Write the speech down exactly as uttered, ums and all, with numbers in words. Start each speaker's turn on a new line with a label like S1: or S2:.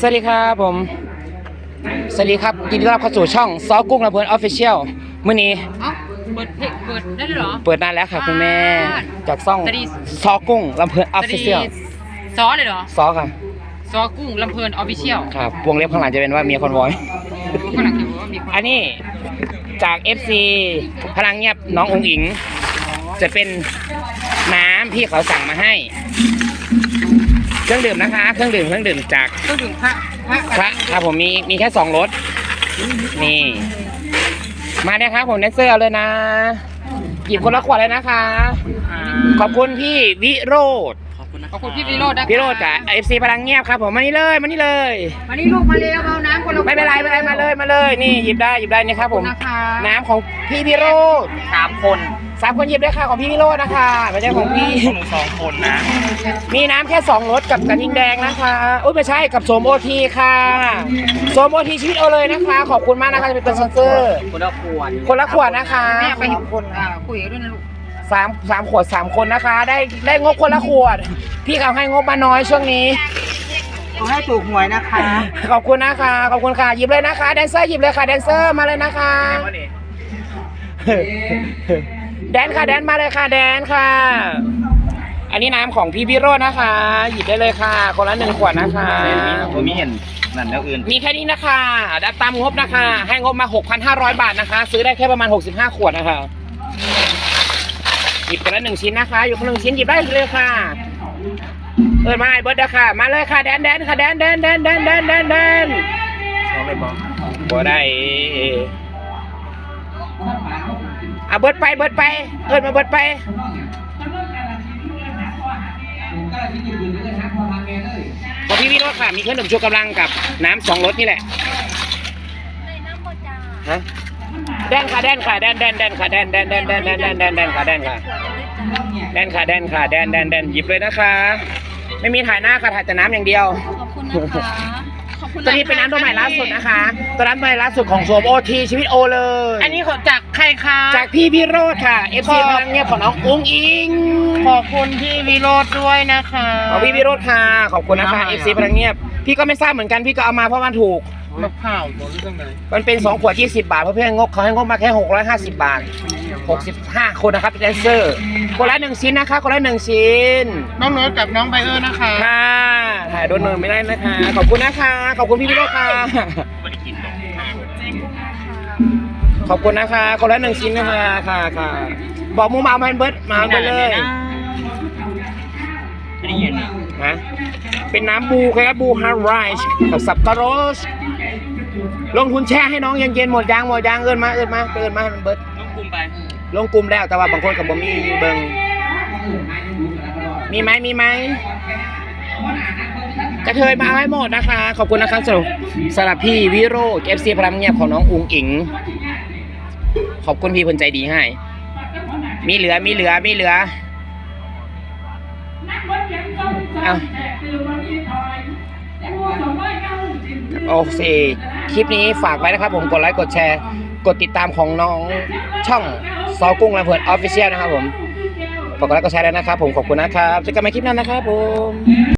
S1: วัสดีครับผมสวัสดีครับยินดีต้อนรับเข้าสู่ช่องซอกุ้งลำเพลินออฟฟิเชียลมื้อนี้
S2: เอ้าเปิดเพลงเปิดได้ด้วยเหรอ
S1: เปิดนานแล้วค่ะคุณแม่จากช่อง
S2: สวัสดี
S1: ซอกุ้งลำเพลินออฟฟิเชียล
S2: ซอเลยเหรอ
S1: ซอค่ะ
S2: ซอกุ้งลำเพลินออฟฟิเชียล
S1: ครับวงเล็บข้างหลังจะเป็นว่าเมียคอนวอย
S2: ข้างหลังจะบอกว่ามีคน
S1: อันนี้จาก เอฟ ซี พลังเงียบน้ององอิงจะเป็นน้ำที่เขาสั่งมาให้เครื่องดื่มนะคะเครื่องดื่มเครื่องดื่มจาก
S2: ต้องถึงพระพระ
S1: พระครับผมมีมีแค่สองรสนี่มาเนี่ยครับผมเนสเซอร์เอาเลยนะหยิบคนละขวดเลยนะคะขอบคุณพี่วิโรธ
S2: ขอบคุณนะขอบคุณพี่วิโรจน์นะ
S1: วิโรธกับเอฟซีพลังเงียบครับผมมานี่เลยมานี่เลย
S2: มานี่ลูกมาเร็วเอาน้ำคนละ
S1: ไม่เป็นไรไม่เป็นไรมาเลยมาเลยนี่หยิบได้หยิบได้นี่ครับผม
S2: นะคะ
S1: น้ำของพี่วิโรธ
S2: สามคน
S1: สามคนหยิบได้ค่ะของพี่วิโรธนะคะไม่ใช่ของพี่
S2: หนูสองคนนะ
S1: มีน้ำแค่สองรสกับกระทิงแดงนะคะอุ้ยไม่ใช่กับโสมโอทีค่ะโสมโอทีชีวิตเอาเลยนะคะ ขอบคุณมากนะคะจะเป็นสปอนเซอร์
S2: คนละขวด
S1: คนละขวดนะคะ
S2: แม่ไปหยิบคนอ่าคุยกันด้วยนะลูก
S1: สามสามขวดสามคนนะคะ ได้ได้งบคนละขวด พี่เขาให้งบมาน้อยช่วงนี้
S2: ขอให้ถูกหวยนะคะ
S1: ขอบคุณนะคะขอบคุณค่ะหยิบเลยนะคะแดนเซอร์หยิบเลยค่ะแดนเซอร์มาเลยนะคะแดนค่ะแดนมาเลยค่ะแดนค่ะ อันนี้น้ำของพี่วิโรจน์นะคะ หยิบได้เลยค่ะ คนละหนึ่งขวดนะคะ
S3: ผมมีเห็นนั่นแล้วอื่น
S1: มีแค่นี้นะคะได้ตามงบนะคะ ให้งบมา หกพันห้าร้อย บาทนะคะ ซื้อได้แค่ประมาณหกสิบห้าขวดนะคะหยิบคนละหนึ่งชิ้นนะคะ อยู่คนละหนึ่งชิ้นหยิบได้เลยค่ะเอิญมาไอ้เบิร์ดค่ะมาเลยค่ะแดนแดนค่ะแดนแดนแดนแดนแดนแดนแดน
S3: เขาเลยบอก
S1: บ่ได้อ่ะเบิร์ดไปเบิร์ดไปเอิญมาเบิร์ดไปของพี่วิโรจน์ค่ะมีเครื่องดื่มชูกำลังกับน้ำสองรสนี่แหละฮะแดนค่ะแดนค่ะแดนแดนแดนค่ะแดนแดนแดนแดนแดนแดนแดนแดนค่ะแดนค่ะแดนค่ะแดนค่ะแดนแดนแดนหยิบเลยนะคะไม่มีถ่ายหน้าค่ะถ่ายแต่น้ำอย่างเดียว
S4: ขอบคุณนะคะขอบคุณ
S1: ตัวนี้เป็นน้ำตัวใหม่ล่าสุดนะคะตัวน้ำตัวใหม่ล่าสุดของโซมโอทีชีวิตโอเลย
S2: อันนี้ขอจากใครคะ
S1: จากพี่พี่โรดค่ะ เอฟ ซี พลังเงียบของน้องอุ้งอิง
S2: ขอบคุณพี่วิโรจน์ด้วยนะคะ
S1: ของพี่พี่โรดค่ะขอบคุณนะคะ เอฟ ซี พลังเงียบพี่ก็ไม่ทราบเหมือนกันพี่ก็เอามาเพราะมันถูก
S2: มะพร้าวหมดเรื่องไหน
S1: มันเป็นสองขวดยี่สิบบาทเพราะเพื่อนงบเขาให้งบมาแค่หกร้อยห้าสิบบาทหกสิบห้าคนนะครับเป็นแดนเซอร์คนละหนึ่งชิ้นนะคะคนละหนึ่งชิ้น
S2: น้องโน้ตกับน้องไบเออร์นะคะ
S1: ค่ะถ่ายโดนเนินไม่ได้นะคะ ขอบคุณนะคะ ขอบคุณพี่พี่โรจน์ค่ะ
S3: ไม่ได้กินหรอก
S1: ขอบคุณนะคะ คนละหนึ่งชิ้นนะคะค่ะค่ะบอกมูมาเอามาให้เบิร์ดมาเอาไปเลย
S3: ไม่ได้ยิน
S1: นะเป็นน้ำบูครับบูฮาร์ไรช์กับสับปะรดลงทุนแช่ให้น้องเย็นๆหมดยางหมดยางเอินมาเอินมาเอินมาให้มันเบิร์ด
S2: น้องกลุ่มไป
S1: ลงกลุ่มแล้วแต่ว่าบางคนกับผมมีเบิงมีไหมมีไหมกระเทยมาเอาให้หมดนะคะ ขอบคุณนะครับสำหรับสำหรับพี่วิโรจน์ เอฟ ซี พลังเงียบของน้องอุ๋งอิงขอบคุณพี่คนใจดีให้มีเหลือมีเหลือมีเหลือเอาโอเคคลิปนี้ฝากไว้นะครับผมกดไลค์กดแชร์กดติดตามของน้องช่องซอกุ้งลำเพลินออฟฟิเชียลนะครับผมฝากกดไลค์กดแชร์ด้วยนะครับผมขอบคุณนะครับเจอกันใหม่คลิปหน้านะครับผม